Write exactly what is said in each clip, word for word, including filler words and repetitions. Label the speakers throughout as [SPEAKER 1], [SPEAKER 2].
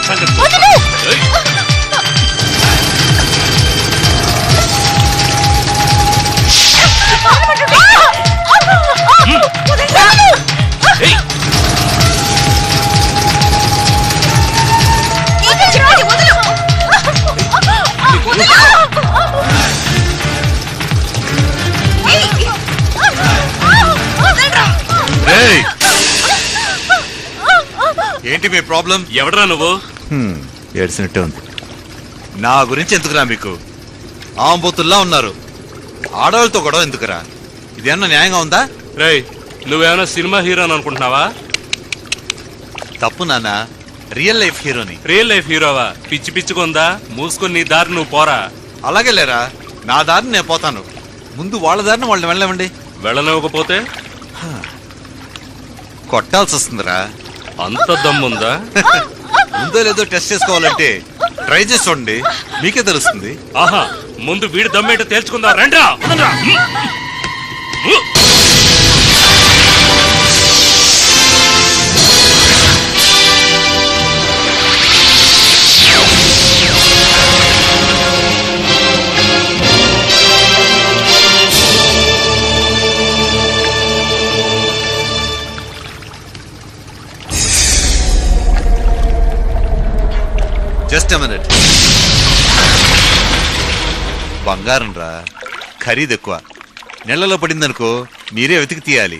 [SPEAKER 1] ఏంటి మీ ప్రాబ్లం?
[SPEAKER 2] ఎవడరా నువ్వు?
[SPEAKER 1] ఏడ్చినట్టే ఉంది. నా గురించి ఎందుకురా మీకు? ఆంబోతుల్లా ఉన్నారు. ఆడవాళ్ళతో గొడవ ఎందుకురా? ఇదేమన్నా న్యాయంగా ఉందా?
[SPEAKER 2] రేయ్, నువ్వేమైనా సినిమా హీరో అనుకుంటున్నావా?
[SPEAKER 1] తప్పు నాన్న, రియల్ లైఫ్ హీరోని.
[SPEAKER 2] రియల్ లైఫ్ హీరోవా? పిచ్చి పిచ్చుకుందా? మూసుకొని నీ దారి నువ్వు పోరా.
[SPEAKER 1] అలాగే లేరా, నా దారిని నేను పోతాను. ముందు వాళ్ళ దారిని వాళ్ళని వెళ్ళవండి.
[SPEAKER 2] వెళ్ళనివ్వకపోతే
[SPEAKER 1] కొట్టాల్సి వస్తుందిరా.
[SPEAKER 2] అంత దమ్ముందా?
[SPEAKER 1] ముందో లేదో టెస్ట్ చేసుకోవాలంటే ట్రై చేసి చూడండి, మీకే తెలుస్తుంది.
[SPEAKER 2] ఆహా, ముందు వీడి దమ్మేట తేల్చుకుందా. రండ్రా.
[SPEAKER 1] Just a minute. బంగారం రా, ఖరీదు ఎక్కువ. నెలలో పడిందనుకో మీరే వెతికి తీయాలి.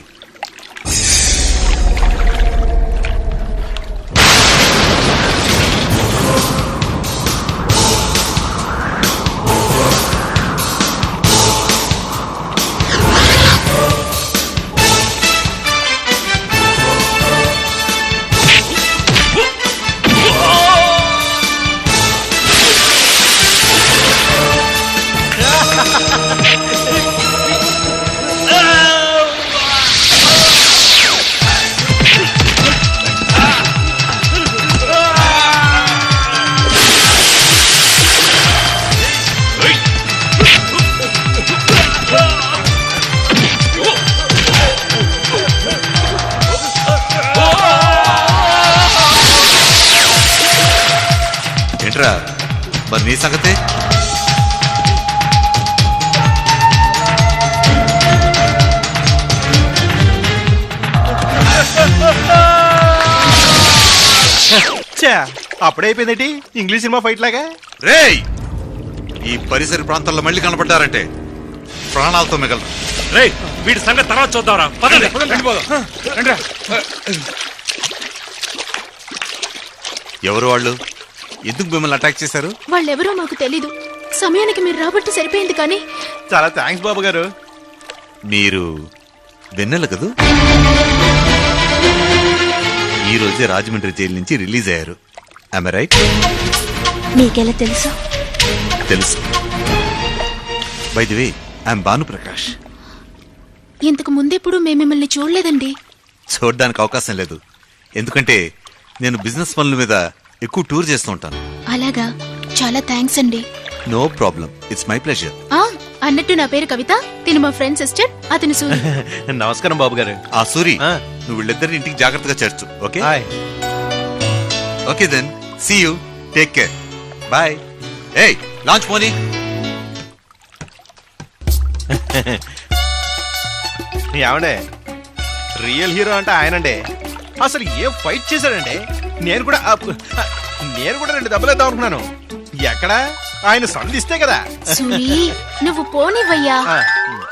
[SPEAKER 1] ఏంట్రా మరి నీ సంగతే?
[SPEAKER 3] అప్పుడైపోయిందేంటి ఇంగ్లీష్ సినిమా ఫైట్ లాగా?
[SPEAKER 1] రేయ్, ఈ పరిసర ప్రాంతాల్లో మళ్ళీ కనపడ్డారంటే ప్రాణాలతో మిగలరు.
[SPEAKER 2] రేయ్, వీడి సంగతి తర్వాత చూద్దాంరా. పదండి.
[SPEAKER 1] ఎవరు వాళ్ళు? ఎందుకు మిమ్మల్ని అటాక్ చేశారు?
[SPEAKER 4] వాళ్ళెవరో మాకు తెలీదు. సమయానికి మీరు రాబట్టి సరిపోయింది. కానీ
[SPEAKER 3] చాలా థ్యాంక్స్ బాబు గారు.
[SPEAKER 1] మీరు వెన్నెల కదూ? ఈ రోజే రాజమండ్రి జైలు నుంచి రిలీజ్ అయ్యారు. Am I right?
[SPEAKER 4] మీకెలా తెలుసు?
[SPEAKER 1] తెలుసు. By the way, I'm Bhanuprakash.
[SPEAKER 4] ఇంతకు ముందెప్పుడు మేము మిమ్మల్ని చూడలేదండి.
[SPEAKER 1] చూడడానికి అవకాశం లేదు, ఎందుకంటే నేను బిజినెస్ పనుల మీద ఎక్కువ టూర్ చేస్తూ ఉంటాను.
[SPEAKER 4] అలాగా, చాలా థ్యాంక్స్ అండి.
[SPEAKER 1] No problem, it's my pleasure.
[SPEAKER 4] ఆ అన్నట్టు నా పేరు కవిత, తిను మా ఫ్రెండ్ సిస్టర్, అతను సూరి.
[SPEAKER 3] నమస్కారం బాబు గారు.
[SPEAKER 1] ఆ సూరి, నువ్వు వీళ్ళిద్దరిని ఇంటికి జాగ్రత్తగా చేర్చు. Okay okay then, see you, take care, bye. ఏయ్, లాంచ్ పోనీ.
[SPEAKER 3] ఏమండే, రియల్ హీరో అంటే ఆయనండి. అసలు ఏ ఫైట్ చేశాడండి? నేను కూడా నేను కూడా రెండు దెబ్బలేద్దాం అనుకున్నాను. ఎక్కడ ఆయన సంధిస్తే కదా.
[SPEAKER 4] సూరి, నువ్వు పోనివయ్యా.